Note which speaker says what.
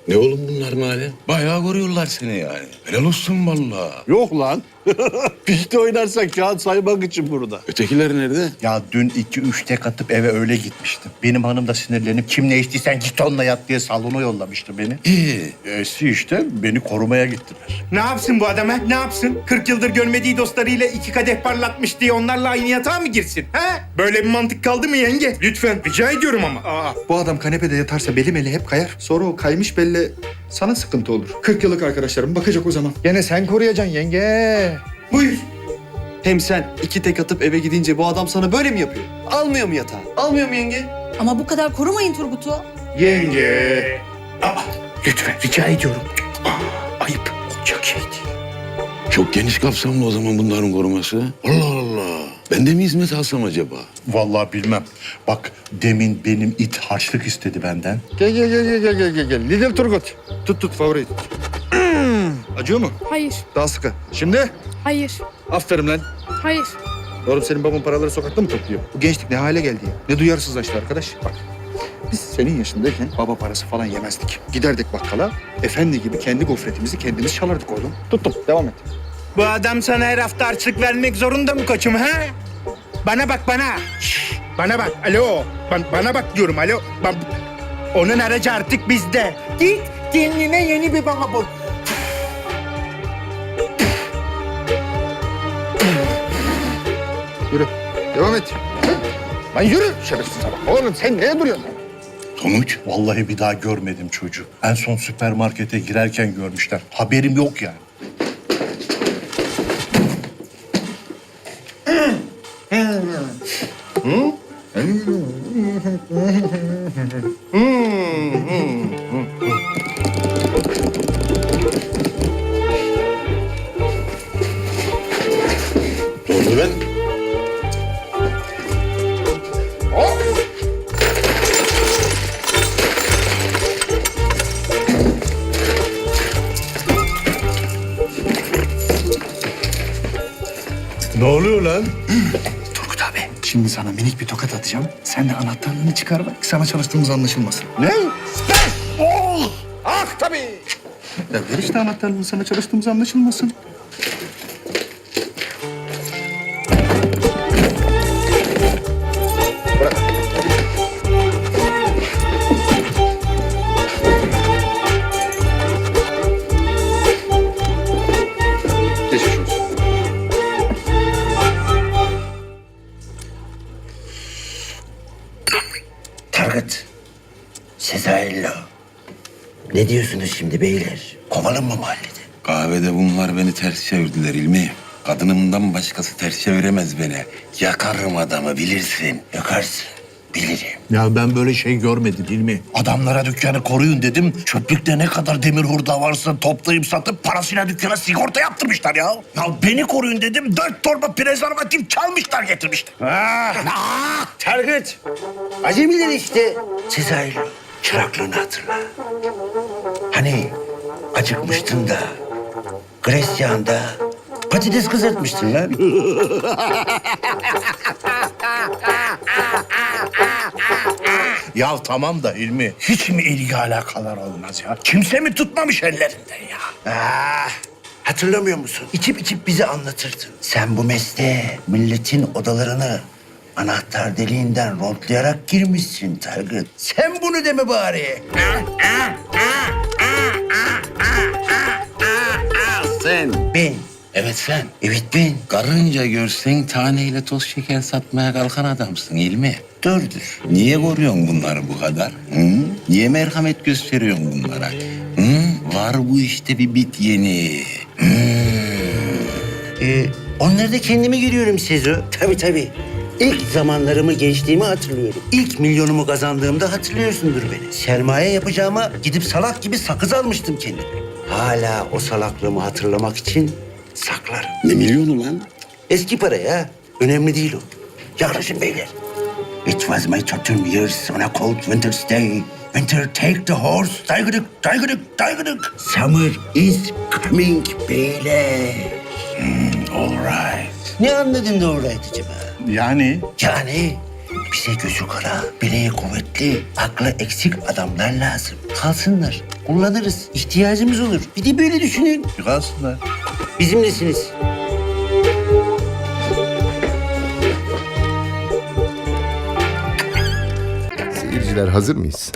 Speaker 1: Ne oğlum bunlar Mali? Bayağı koruyorlar seni yani. Helal olsun vallahi.
Speaker 2: Yok lan. Pişti oynarsak kağıt saymak için burada.
Speaker 1: Ötekiler nerede?
Speaker 2: Ya dün 2-3 tek atıp eve öyle gitmiştim. Benim hanım da sinirlenip kim ne içtiysen git onunla yat diye salona yollamıştı beni.
Speaker 1: İyi.
Speaker 2: İşte beni korumaya gittiler.
Speaker 3: Ne yapsın bu adam ha? Ne yapsın? 40 yıldır görmediği dostlarıyla 2 kadeh parlatmış diye onlarla aynı yatağa mı girsin? Ha? Böyle bir mantık kaldı mı yenge? Lütfen rica ediyorum ama.
Speaker 4: Bu adam kanepede yatarsa belim eli hep kayar. Sonra o kaymış belle sana sıkıntı olur. 40 yıllık arkadaşlarım bakacak o zaman. Gene sen koruyacaksın yenge.
Speaker 3: Buyur.
Speaker 5: Hem sen 2 tek atıp eve gidince bu adam sana böyle mi yapıyor? Almıyor mu yatağı? Almıyor mu yenge?
Speaker 6: Ama bu kadar korumayın Turgut'u.
Speaker 3: Yenge. Lütfen rica ediyorum. Ayıp. Olacak şey değil.
Speaker 1: Çok geniş kapsamlı o zaman bunların koruması. Allah Allah. Ben de mi hizmet alsam acaba?
Speaker 2: Vallahi bilmem. Bak demin benim it harçlık istedi benden.
Speaker 4: Gel. Lidl Turgut. Tut favori. Acıyor mu?
Speaker 7: Hayır,
Speaker 4: Daha sıkı. Şimdi?
Speaker 7: hayır,
Speaker 4: Aferin lan.
Speaker 7: hayır.
Speaker 4: Oğlum senin baban paraları sokakta mı topluyor? Bu gençlik ne hale geldi ya? Ne duyarsızlaştı arkadaş. Bak biz senin yaşındayken baba parası falan yemezdik. Giderdik bakkala, efendi gibi kendi gofretimizi kendimiz çalardık oğlum. Tuttum, devam et.
Speaker 3: Bu adam sana her hafta harçlık vermek zorunda mı koçum ha? Bana bak bana. Şşş, bana bak. Alo. Bana bak diyorum alo. Onun aracı artık bizde. Git kendine yeni bir baba bul.
Speaker 4: Yürü, devam et. Lan yürü şerefsiz bak. Oğlum sen neye duruyorsun?
Speaker 1: Sonuç?
Speaker 2: Vallahi bir daha görmedim çocuğu. En son süpermarkete girerken görmüşler. Haberim yok yani.
Speaker 1: Ne oldu ben?
Speaker 2: Ne oluyor lan?
Speaker 4: Turgut abi, şimdi sana minik bir tokat atacağım. Sen de anahtarlığını çıkar bak, sana çalıştığımız anlaşılmasın.
Speaker 2: Ne?
Speaker 4: Ah tabii. Ya ver işte anahtarlığını, sana çalıştığımız anlaşılmasın. Bırak. Geçmiş olsun.
Speaker 8: Target, Sezai'yle. Ne diyorsunuz şimdi beyler? Kovalım mı mahallede?
Speaker 1: Kahvede bunlar beni ters çevirdiler İlmi. Kadınımdan başkası ters çeviremez beni. Yakarım adamı bilirsin.
Speaker 8: Yakarsın, bilirim.
Speaker 2: Ya ben böyle şey görmedim Hilmi. Adamlara dükkanı koruyun dedim. Çöplükte ne kadar demir hurda varsa toplayıp satıp parasıyla dükkana sigorta yaptırmışlar ya. Ya beni koruyun dedim. 4 torba prezervatif çalmışlar getirmişler.
Speaker 8: Target, acemiler işte. Sezai'yle çıraklığını hatırla. Hani acıkmıştın da, Gresya'nda patates kızartmıştın lan.
Speaker 2: Ya tamam da Hilmi, hiç mi ilgi alakalar olmaz ya? Kimse mi tutmamış ellerinden ya?
Speaker 8: Hatırlamıyor musun? İçip içip bize anlatırdın. Sen bu mesleğe milletin odalarını anahtar deliğinden rondlayarak girmişsin Target. Sen bunu deme bari.
Speaker 1: Sen.
Speaker 8: Ben.
Speaker 1: Evet sen.
Speaker 8: Evet ben.
Speaker 1: Karınca görsen taneyle toz şeker satmaya kalkan adamsın İlmi.
Speaker 8: Doğrudur.
Speaker 1: Niye koruyorsun bunları bu kadar? Hı? Niye merhamet gösteriyorsun bunlara? Hı? Var bu işte bir bit yeni.
Speaker 8: Onları da kendimi görüyorum Sezo. Tabii. İlk zamanlarımı, gençliğimi hatırlıyorum. İlk milyonumu kazandığımda hatırlıyorsundur beni. Sermaye yapacağıma gidip salak gibi sakız almıştım kendime. Hala o salaklığımı hatırlamak için saklarım.
Speaker 1: Ne milyonu lan?
Speaker 8: Eski para ya. Önemli değil o. Yaklaşın beyler. It was my 13 years on a cold winter's day. Winter take the horse. Daygıdık. Summer is coming beyler.
Speaker 1: All right.
Speaker 8: Ne anladın da all right acaba?
Speaker 2: Yani
Speaker 8: Yani Bize gözü kara, bileği kuvvetli, aklı eksik adamlar lazım. Kalsınlar, kullanırız. İhtiyacımız olur. Bir de böyle düşünün.
Speaker 2: Kalsınlar.
Speaker 8: Bizimlesiniz.
Speaker 7: Seyirciler hazır mıyız?